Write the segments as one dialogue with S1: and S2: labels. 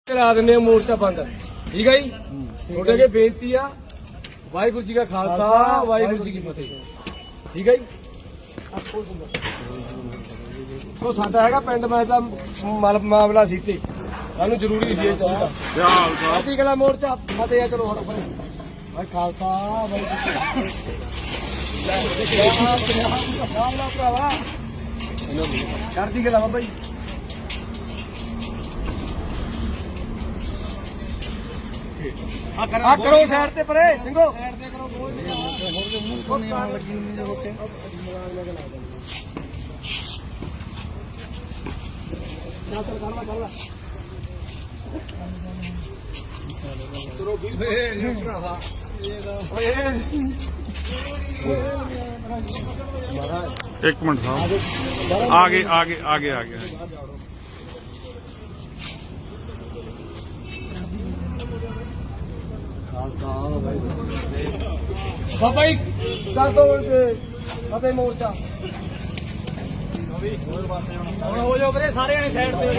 S1: करा देने मोर्चा बंद ठीक है जी थोड़े अगे बेनती आ वाहिगुरू जी का खालसा वाहिगुरू जी की फतेह ठीक है जी तो साडा हैगा पिंड मैं दा मामला सी ते सानू जरूरी सी चाਹੀਦਾ आधी कला मोर्चा फतेह चलो हटो भाई खालसा वाहिगुरू चढ़दी गला बाबा जी आ करो साइड ते परे सिंघो
S2: एक मिनट साहब आगे आगे आगे आगे
S1: बाबा जी कर दो फतेह मोर्चा हो जाओ ਵੀਰੇ ਸਾਰੇ ਜਣੇ ਸਾਈਡ ਤੇ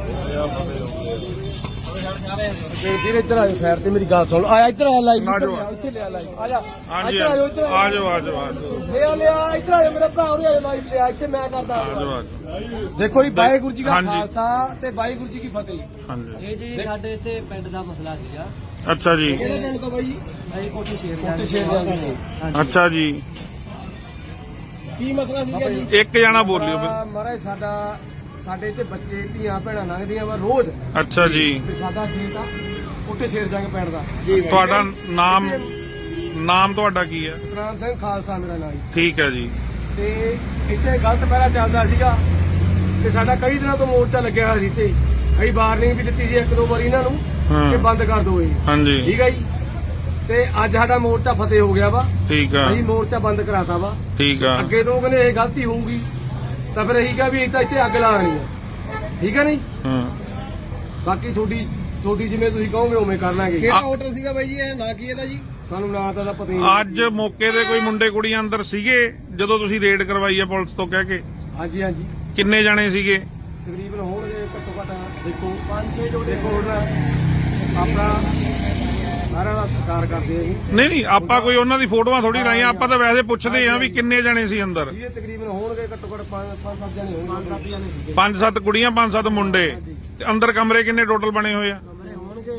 S1: ਵੀਰ ਇੱਧਰ ਆ ਜਾਓ ਸਾਈਡ ਤੇ ਮੇਰੀ ਗੱਲ ਸੁਣ ਆ ਇੱਧਰ ਆ ਲਾਈਵ ਇੱਥੇ ਲਿਆ ਲਾਈਵ ਆ ਜਾ ਇੱਧਰ ਆ ਜਾਓ ਇੱਧਰ
S2: ਆ ਜਾਓ
S1: ਲਿਆ ਇੱਧਰ ਆ ਜਾਓ ਮੇਰਾ ਭਰਾ ਉਰੇ ਆ ਜਾਓ ਲਾਈਵ ਲਿਆ ਇੱਥੇ ਮੈਂ ਕਰਦਾ ਦੇਖੋ ਜੀ ਵਾਹਿਗੁਰੂ ਜੀ ਦਾ ਖਾਲਸਾ ਤੇ ਵਾਹਿਗੁਰੂ ਜੀ ਕੀ ਫਤਿਹ
S2: ਹਾਂਜੀ
S3: ਇਹ ਜੀ ਸਾਡੇ ਇੱਥੇ ਪਿੰਡ ਦਾ ਮਸਲਾ ਸੀਗਾ
S2: ਅੱਛਾ ਜੀ
S1: ਕਿਹੜੇ ਪਿੰਡ ਤੋਂ ਬਾਈ ਜੀ
S3: ਅਸੀਂ ਕੋਟੀ
S1: ਕੋਟੀ
S3: ਸ਼ੇਰ
S1: ਸ਼ੇਰ
S2: ਅੱਛਾ ਜੀ
S1: ਕੀ ਮਸਲਾ ਸੀਗਾ ਜੀ
S2: ਇੱਕ ਜਣਾ ਬੋਲਿਓ ਫਿਰ
S1: ਮਹਾਰਾਜ ਸਾਡੇ ਇੱਥੇ ਬੱਚੇ ਧੀਆਂ ਭੈਣਾਂ ਲੰਘਦੀਆਂ ਵਾ ਰੋਜ਼
S2: ਅੱਛਾ ਜੀ
S1: ਤੇ ਸਾਡਾ ਖੇਤ ਆ ਕੋਟੇ ਸ਼ੇਰ ਜੰਗ ਪਿੰਡ ਦਾ
S2: ਤੁਹਾਡਾ ਨਾਮ ਤੁਹਾਡਾ ਕੀ ਹੈ
S1: ਸਤਨਾਮ ਸਿੰਘ ਖਾਲਸਾ ਮੇਰਾ ਨਾਮ ਜੀ
S2: ਠੀਕ ਹੈ ਜੀ
S1: ਤੇ ਇੱਥੇ ਗਲਤ ਪਹਿਰਾ ਚੱਲਦਾ ਸੀਗਾ ਤੇ ਸਾਡਾ ਕਈ ਦਿਨਾਂ ਤੋਂ ਮੋਰਚਾ ਲੱਗਿਆ ਹੋਇਆ ਸੀ ਇੱਥੇ ਕਈ ਵਾਰਨਿੰਗ ਵੀ ਦਿੱਤੀ ਸੀ ਇੱਕ ਦੋ ਵਾਰੀ ਇਹਨਾਂ ਨੂੰ ਕਿ ਬੰਦ ਕਰ ਦਿਓ ਇਹ
S2: ਹਾਂਜੀ
S1: ਠੀਕ ਹੈ ਜੀ ਤੇ ਅੱਜ ਸਾਡਾ ਮੋਰਚਾ ਫਤਿਹ ਹੋ ਗਿਆ ਵਾ
S2: ਠੀਕ ਆ
S1: ਅਸੀਂ ਮੋਰਚਾ ਬੰਦ ਕਰਾਤਾ ਵਾ
S2: ਠੀਕ ਆ
S1: ਅੱਗੇ ਤੋਂ ਕਹਿੰਦੇ ਇਹ ਗਲਤੀ ਹੋਊਗੀ ਤਾਂ ਫਿਰ ਅਸੀਂ ਕਿਹਾ ਵੀ ਇੱਥੇ ਅੱਗ ਲਾਣੀ ਆ ਠੀਕ ਹੈ ਨਹੀਂ ਬਾਕੀ ਤੁਹਾਡੀ ਜਿਵੇਂ ਤੁਸੀਂ ਕਹੋਗੇ ਉਵੇਂ ਕਰ ਲਾਂਗੇ
S4: ਕਿਹੜਾ ਹੋਟਲ ਸੀਗਾ ਬਾਈ ਜੀ ਇਹ ਨਾਂ ਕੀ ਇਹਦਾ ਜੀ
S1: ਸਾਨੂੰ ਨਾਂ ਤਾਂ ਪਤਾ ਹੀ ਨਹੀਂ
S2: ਅੱਜ ਮੌਕੇ ਤੇ ਕੋਈ ਮੁੰਡੇ ਕੁੜੀਆਂ ਅੰਦਰ ਸੀਗੇ ਜਦੋਂ ਤੁਸੀਂ ਰੇਡ ਕਰਵਾਈ ਹੈ ਪੁਲਿਸ ਤੋਂ ਕਹਿ ਕੇ
S1: ਹਾਂਜੀ ਹਾਂਜੀ
S2: ਕਿੰਨੇ ਜਾਣੇ ਸੀਗੇ
S1: ਤਕਰੀਬਨ ਹੋਣਗੇ ਘੱਟੋ ਘੱਟ ਦੇਖੋ 5-6 ਜੋੜੇ ਦੇਖੋ ਆਪਣਾ ਸਾਰਾ ਦਾ ਸਤਿਕਾਰ ਕਰਦੇ ਆ ਜੀ
S2: ਨਹੀਂ ਆਪਾਂ ਕੋਈ ਉਹਨਾਂ ਦੀ ਫੋਟੋਆਂ ਥੋੜੀ ਲਾਈਆਂ ਆਪਾਂ ਤਾਂ ਵੈਸੇ ਪੁੱਛਦੇ ਆ ਵੀ ਕਿੰਨੇ ਜਾਣੇ ਸੀ ਅੰਦਰ
S1: ਇਹ ਤਕਰੀਬਨ ਹੋਣਗੇ ਘੱਟੋ ਘੱਟ 5-7 ਜਣੇ ਹੋਣਗੇ 5-7 ਜਣੇ ਸੀਗੇ
S2: 5-7 ਕੁੜੀਆਂ 5-7 ਮੁੰਡੇ ਤੇ ਅੰਦਰ ਕਮਰੇ ਕਿੰਨੇ ਟੋਟਲ ਬਣੇ ਹੋਏ ਆ
S3: ਕਮਰੇ ਹੋਣਗੇ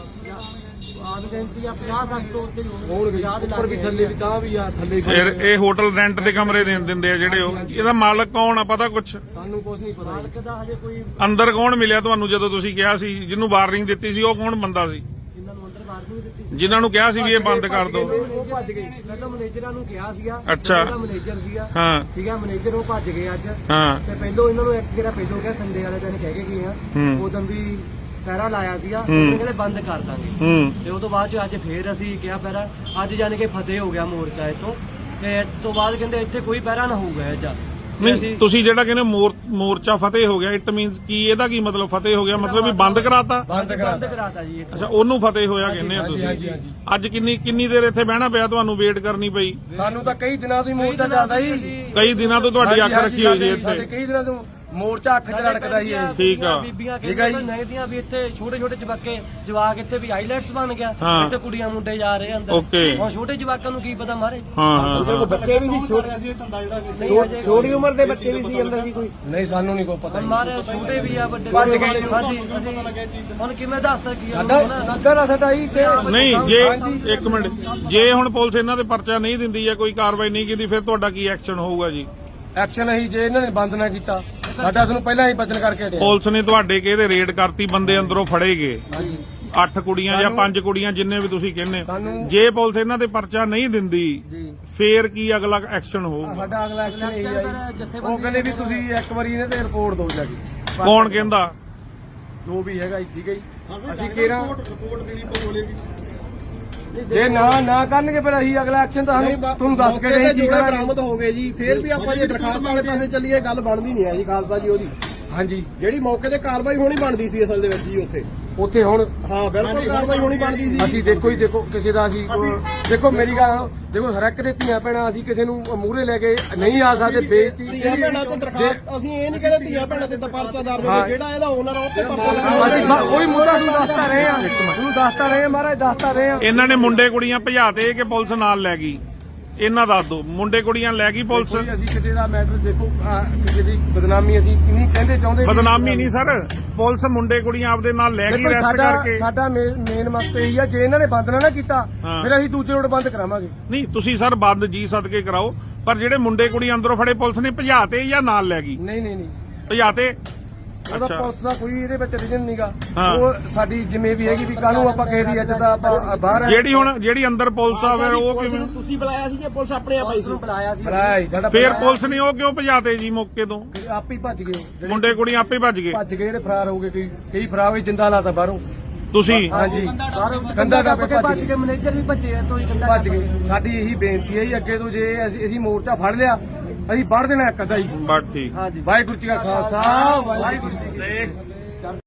S3: ਆਦ ਗਿਣਤੀ ਆ 50-60 ਤੋਂ ਉੱਤੇ
S1: ਹੋਣਗੇ ਉੱਪਰ ਵੀ ਥੱਲੇ ਵੀ ਤਾਂ ਵੀ ਆ ਥੱਲੇ
S2: ਫਿਰ ਇਹ ਹੋਟਲ ਰੈਂਟ ਦੇ ਕਮਰੇ ਦਿੰਦੇ ਆ ਜਿਹੜੇ ਉਹ ਇਹਦਾ ਮਾਲਕ ਕੌਣ ਆ ਪਤਾ ਕੁਛ
S1: ਸਾਨੂੰ ਕੁਝ ਨਹੀਂ ਪਤਾ
S3: ਮਾਲਕ ਦਾ ਹਜੇ ਕੋਈ
S2: ਅੰਦਰ ਕੌਣ ਮਿਲਿਆ ਤੁਹਾਨੂੰ ਜਦੋਂ ਤੁਸੀਂ ਕਿਹਾ ਸੀ ਜਿਹਨੂੰ ਵਾਰਨਿੰਗ ਦਿੱਤੀ ਸੀ ਉਹ ਕੌਣ ਬੰਦਾ ਸੀ
S3: ਜਿਨ੍ਹਾਂ ਨੂੰ ਅੰਦਰ ਵਾਰਨਿੰਗ ਦਿੱਤੀ ਸੀ
S2: ਜਿਨ੍ਹਾਂ ਨੂੰ ਕਿਹਾ ਸੀ ਵੀ ਇਹ ਬੰਦ ਕਰ ਦਿਓ
S1: ਉਹ ਭੱਜ ਗਏ
S3: ਮੈਂ ਤਾਂ ਮੈਨੇਜਰਾਂ ਨੂੰ ਕਿਹਾ ਸੀਗਾ
S2: ਅੱਛਾ।
S3: ਜਿਹੜਾ ਮੈਨੇਜਰ ਸੀਗਾ
S2: ਹਾਂ
S3: ਠੀਕ ਹੈ ਮੈਨੇਜਰ ਉਹ ਭੱਜ ਗਏ ਅੱਜ
S2: ਹਾਂ
S3: ਤੇ ਪਹਿਲੋਂ ਇਹਨਾਂ ਨੂੰ ਇੱਕ ਜਿਹੜਾ ਪਹਿਲੋਂ ਕਿਹਾ ਸੰਡੇ ਵਾਲੇ ਦਿਨ ਕਹਿ ਕੇ ਗਏ ਆ ਉਦੋਂ ਵੀ ਪਹਿਰਾ ਲਾਇਆ ਸੀਗਾ ਉਹਨੇ ਕਹਿੰਦੇ ਬੰਦ ਕਰ ਦਾਂਗੇ ਤੇ ਉਹ ਤੋਂ ਬਾਅਦ ਚ ਅੱਜ ਫੇਰ ਅਸੀਂ ਕਿਹਾ ਪਹਿਰਾ ਅੱਜ ਜਾਣ ਕੇ ਫਤਿਹ ਹੋ ਗਿਆ ਮੋਰਚਾ ਇਤੋਂ ਤੇ ਇਸ ਤੋਂ ਬਾਅਦ ਕਹਿੰਦੇ ਇੱਥੇ ਕੋਈ ਪਹਿਰਾ ਨਾ ਹੋਊਗਾ ਅੱਜ
S2: ਨਹੀਂ ਤੁਸੀਂ ਜਿਹੜਾ ਕਹਿੰਦੇ ਮੋਰਚਾ ਫਤਿਹ ਹੋ ਗਿਆ ਇਟ ਮੀਨਸ ਕੀ ਇਹਦਾ ਕੀ ਮਤਲਬ ਫਤਿਹ ਹੋ ਗਿਆ ਮਤਲਬ ਵੀ ਬੰਦ ਕਰਾਤਾ
S3: ਬੰਦ ਕਰਾਤਾ ਜੀ ਇੱਥੋਂ
S2: ਅੱਛਾ ਉਹਨੂੰ ਫਤਿਹ ਹੋਇਆ ਕਹਿੰਦੇ ਆ ਤੁਸੀਂ ਅੱਜ ਕਿੰਨੀ ਦੇਰ ਇੱਥੇ ਬਹਿਣਾ ਪਿਆ ਤੁਹਾਨੂੰ ਵੇਟ ਕਰਨੀ ਪਈ
S1: ਸਾਨੂੰ ਤਾਂ ਕਈ ਦਿਨਾਂ ਤੋਂ ਹੀ ਮੋਰਚਾ ਚੱਲਦਾ ਜੀ
S2: ਕਈ ਦਿਨਾਂ ਤੋਂ ਤੁਹਾਡੀ ਅੱਖ ਰੱਖੀ ਹੋਈ ਜੀ
S1: ਸਾਡੇ
S2: ਇੱਥੇ
S1: ਕਈ ਦਿਨਾਂ ਤੋਂ ਮੋਰਚਾ ਅੱਖ 'ਚ ਰੜਕਦਾ ਹੀ ਹੈ
S2: ਠੀਕ ਆ
S3: ਬੀਬੀਆਂ ਕਹਿੰਦੀਆਂ ਨਹੀਂਦੀਆਂ ਵੀ ਇੱਥੇ ਛੋਟੇ ਛੋਟੇ ਜਵਾਕ ਇੱਥੇ ਵੀ ਹਾਈਲਾਈਟਸ ਬਣ ਗਿਆ ਇੱਥੇ ਕੁੜੀਆਂ ਮੁੰਡੇ ਜਾ ਰਹੇ ਅੰਦਰ ਹੁਣ ਛੋਟੇ ਜਵਾਕਾਂ ਨੂੰ ਕੀ ਪਤਾ ਮਾਰੇ
S2: ਹਾਂ
S1: ਬੱਚੇ ਵੀ ਸੀ ਛੋਟੇ ਛੋਟੀ ਉਮਰ ਦੇ ਬੱਚੇ ਵੀ ਸੀ ਅੰਦਰ ਸੀ ਕੋਈ ਨਹੀਂ ਸਾਨੂੰ ਨਹੀਂ ਕੋਈ ਪਤਾ
S3: ਮਾਰੇ ਛੋਟੇ ਵੀ ਆ ਵੱਡੇ
S1: ਭੱਜ ਗਏ
S3: ਹਾਂਜੀ ਹੁਣ ਕਿਵੇਂ ਦੱਸ ਸਕੀਏ
S1: ਸਾਡਾ ਹੀ
S2: ਨਹੀਂ ਜੇ ਇੱਕ ਮਿੰਟ ਜੇ ਹੁਣ ਪੁਲਿਸ ਇਹਨਾਂ ਦੇ ਪਰਚਾ ਨਹੀਂ ਦਿੰਦੀ ਜਾਂ ਕੋਈ ਕਾਰਵਾਈ ਨਹੀਂ ਕੀਤੀ ਫਿਰ ਤੁਹਾਡਾ ਕੀ ਐਕਸ਼ਨ ਹੋਊਗਾ ਜੀ
S1: ਐਕਸ਼ਨ ਅਸੀਂ ਜੇ ਇਹਨਾਂ ਨੇ ਬੰਦ ਨਾ ਕੀਤਾ ਸਾਡਾ ਤੁਹਾਨੂੰ ਪਹਿਲਾਂ ਹੀ ਬਚਨ ਕਰਕੇ ਹਟਿਆ
S2: ਪੁਲਿਸ ਨੇ ਤੁਹਾਡੇ ਕਿਹਦੇ ਰੇਡ ਕਰਤੀ ਬੰਦੇ ਅੰਦਰੋਂ ਫੜੇ ਗਏ 8 ਕੁੜੀਆਂ ਜਾਂ 5 ਕੁੜੀਆਂ ਜਿੰਨੇ ਵੀ ਤੁਸੀਂ ਕਹਿੰਦੇ ਜੇ ਪੁਲਿਸ ਇਹਨਾਂ ਦੇ ਪਰਚਾ ਨਹੀਂ ਦਿੰਦੀ ਫੇਰ ਕੀ ਅਗਲਾ ਐਕਸ਼ਨ ਹੋਊਗਾ
S1: ਸਾਡਾ ਅਗਲਾ ਐਕਸ਼ਨ ਇਹ ਹੈ ਉਹ ਕਹਿੰਦੇ ਵੀ ਤੁਸੀਂ ਇੱਕ ਵਾਰੀ ਇਹਨਾਂ ਤੇ ਰਿਪੋਰਟ ਦਿਓ ਜਾ ਕੇ
S2: ਕੌਣ ਕਹਿੰਦਾ
S1: ਜੋ ਵੀ ਹੈਗਾ ਠੀਕ ਹੈ ਜੀ ਅਸੀਂ ਕਿਹੜਾ ਰਿਪੋਰਟ ਦੇਣੀ ਪਵੇਗੀ ਜੇ ਨਾ ਕਰਨਗੇ ਫਿਰ ਅਸੀਂ ਅਗਲਾ ਐਕਸ਼ਨ ਤਾਂ ਤੁਹਾਨੂੰ ਦੱਸ ਕੇ ਨਹੀਂ
S4: ਜੋੜੇ ਬਰਾਮਦ ਹੋ ਗਏ ਜੀ ਫਿਰ ਵੀ ਆਪਾਂ ਜੇ ਦਰਖਾਸਤ ਵਾਲੇ ਪਾਸੇ ਚੱਲੀਏ ਗੱਲ ਬਣਦੀ ਨਹੀਂ ਹੈ ਜੀ ਖਾਲਸਾ ਜੀ ਉਹਦੀ
S1: ਹਾਂਜੀ
S4: ਜਿਹੜੀ ਮੌਕੇ ਤੇ ਕਾਰਵਾਈ ਹੋਣੀ ਬਣਦੀ ਸੀ ਅਸਲ ਦੇ ਵਿੱਚ ਜੀ ਉੱਥੇ
S1: ਉੱਥੇ ਹੁਣ
S4: ਹਾਂ ਬਿਲਕੁਲ ਕਾਰਵਾਈ ਹੋਣੀ ਬਣਦੀ ਸੀ।
S1: ਅਸੀਂ ਦੇਖੋ ਕਿਸੇ ਦਾ ਅਸੀਂ ਦੇਖੋ ਮੇਰੀ ਗੱਲ ਦੇਖੋ ਹਰ ਇੱਕ ਦੇ ਧੀਆਂ ਭੈਣਾਂ ਅਸੀਂ ਕਿਸੇ ਨੂੰ ਮੂਹਰੇ ਲੈ ਕੇ ਨਹੀਂ ਆ ਸਕਦੇ ਬੇਇੱਜ਼ਤੀ
S4: ਧੀਆਂ ਭੈਣਾਂ ਤੇ ਦਰਖਾਸਤ ਅਸੀਂ ਇਹ ਨਹੀਂ ਕਹਿੰਦੇ ਧੀਆਂ ਭੈਣਾਂ ਤੇ ਤਾਂ ਪਰਚਾ ਦਰਜ ਹੋਵੇ, ਜਿਹੜਾ ਇਹਦਾ ਓਨਰ ਉਹ ਤੇ ਪਰਚਾ
S1: ਉਹੀ ਮੁੱਦਾ ਨੂੰ ਦੱਸਦਾ ਰਹੇ ਆ ਤੁਹਾਨੂੰ ਦੱਸਦਾ ਰਹੇ ਆ ਮਹਾਰਾਜ ਦੱਸਦਾ ਰਹੇ ਆ
S2: ਇਹਨਾਂ ਨੇ ਮੁੰਡੇ ਕੁੜੀਆਂ ਭਜਾਤੇ ਕਿ ਪੁਲਿਸ ਨਾਲ ਲੈ ਗਈ? ਇਹਨਾਂ ਦੱਸ ਦਿਓ, ਮੁੰਡੇ ਕੁੜੀਆਂ ਲੈ ਗਈ ਪੁਲਿਸ?
S1: ਕੋਈ ਅਸੀਂ ਕਿਸੇ ਦਾ ਮੈਟਰ ਦੇਖੋ ਕਿਸੇ ਦੀ ਬਦਨਾਮੀ ਅਸੀਂ ਨਹੀਂ ਕਹਿੰਦੇ ਚਾਹੁੰਦੇ
S2: ਬਦਨਾਮੀ ਨਹੀਂ ਸਰ, ਪੁਲਿਸ ਮੁੰਡੇ ਕੁੜੀਆਂ ਆਪਦੇ ਨਾਲ ਲੈ ਗਈ ਰੈਸਟ ਕਰਕੇ।
S1: ਸਾਡਾ ਮੇਨ ਮਕਸਦ ਇਹੀ ਆ ਜੇ ਇਹਨਾਂ ਨੇ ਬੰਦ ਨਾ ਕੀਤਾ
S2: ਹਾਂ।
S1: ਫਿਰ ਅਸੀਂ ਦੂਜੇ ਰੋਡ ਬੰਦ ਕਰਾਵਾਂਗੇ।
S2: ਨਹੀਂ ਤੁਸੀਂ ਸਰ ਬੰਦ ਜੀ ਸਦਕੇ ਕਰਾਓ, ਪਰ ਜਿਹੜੇ ਮੁੰਡੇ ਕੁੜੀ ਅੰਦਰੋਂ ਫੜੇ ਪੁਲਿਸ ਨੇ ਭਜਾਤੇ ਜਾਂ ਨਾਲ ਲੈ ਗਈ?
S1: ਨਹੀਂ
S2: ਭਜਾਤੇ।
S1: ਉਹਦਾ ਪੁਲਿਸ ਦਾ ਕੋਈ ਇਹਦੇ ਵਿੱਚ ਰੀਜਨ ਨਹੀਂਗਾ।
S2: ਹਾਂ।
S1: ਉਹ ਸਾਡੀ ਜਿਵੇਂ ਵੀ ਹੈਗੀ ਵੀ ਕੱਲ ਨੂੰ ਆਪਾਂ ਕਿਸੇ ਦੀ ਇੱਜ਼ਤ ਦਾ ਆਪਾਂ ਬਾਹਰ ਆ
S2: ਜਿਹੜੀ ਅੰਦਰ ਪੁਲਿਸ ਆਵੇ ਉਹ ਕਿਵੇਂ?
S3: ਤੁਸੀਂ ਬੁਲਾਇਆ ਸੀ ਜਾਂ ਪੁਲਿਸ ਆਪਣੇ ਆਪ ਆਈ ਸੀ? ਬੁਲਾਇਆ ਸੀ।
S1: ਭਰਾਈ ਸਾਡਾ
S2: ਫੇਰ ਪੁਲਿਸ ਨੇ ਉਹ ਕਿਉਂ ਭਜਾਤੇ ਜੀ ਮੌਕੇ ਤੋਂ?
S1: ਆਪੇ ਹੀ ਭੱਜ ਗਏ ਉਹ।
S2: ਮੁੰਡੇ ਕੁੜੀਆਂ ਆਪੇ ਭੱਜ ਗਏ।
S1: ਜਿਹੜੇ ਫਰਾਰ ਹੋ ਗਏ ਕਈ ਫਰਾਰ ਹੋਏ ਜਿੰਦਾ ਲਾਤਾ ਬਾਹਰੋਂ।
S2: ਤੁਸੀਂ
S1: ਹਾਂਜੀ ਕੰਧਾ ਟੱਪ ਕੇ ਭੱਜ ਗਏ।
S3: ਮੈਨੇਜਰ ਵੀ ਭੱਜੇ ਆ ਤੋਂ
S1: ਭੱਜ ਗਏ। ਸਾਡੀ ਇਹੀ ਬੇਨਤੀ ਹੈ ਜੀ ਅੱਗੇ ਤੋਂ ਜੇ ਅਸੀਂ ਮੋਰਚਾ ਫੜ ਲਿਆ ਅਸੀਂ ਵੜ ਦੇਣਾ ਇੱਕ ਅੱਧਾ ਹੀ।
S2: ਬਸ ਠੀਕ।
S1: ਵਾਹਿਗੁਰੂ ਜੀ ਕਾ ਖਾਲਸਾ ਵਾਹਿਗੁਰੂ ਜੀ ਕੀ ਫਤਿਹ।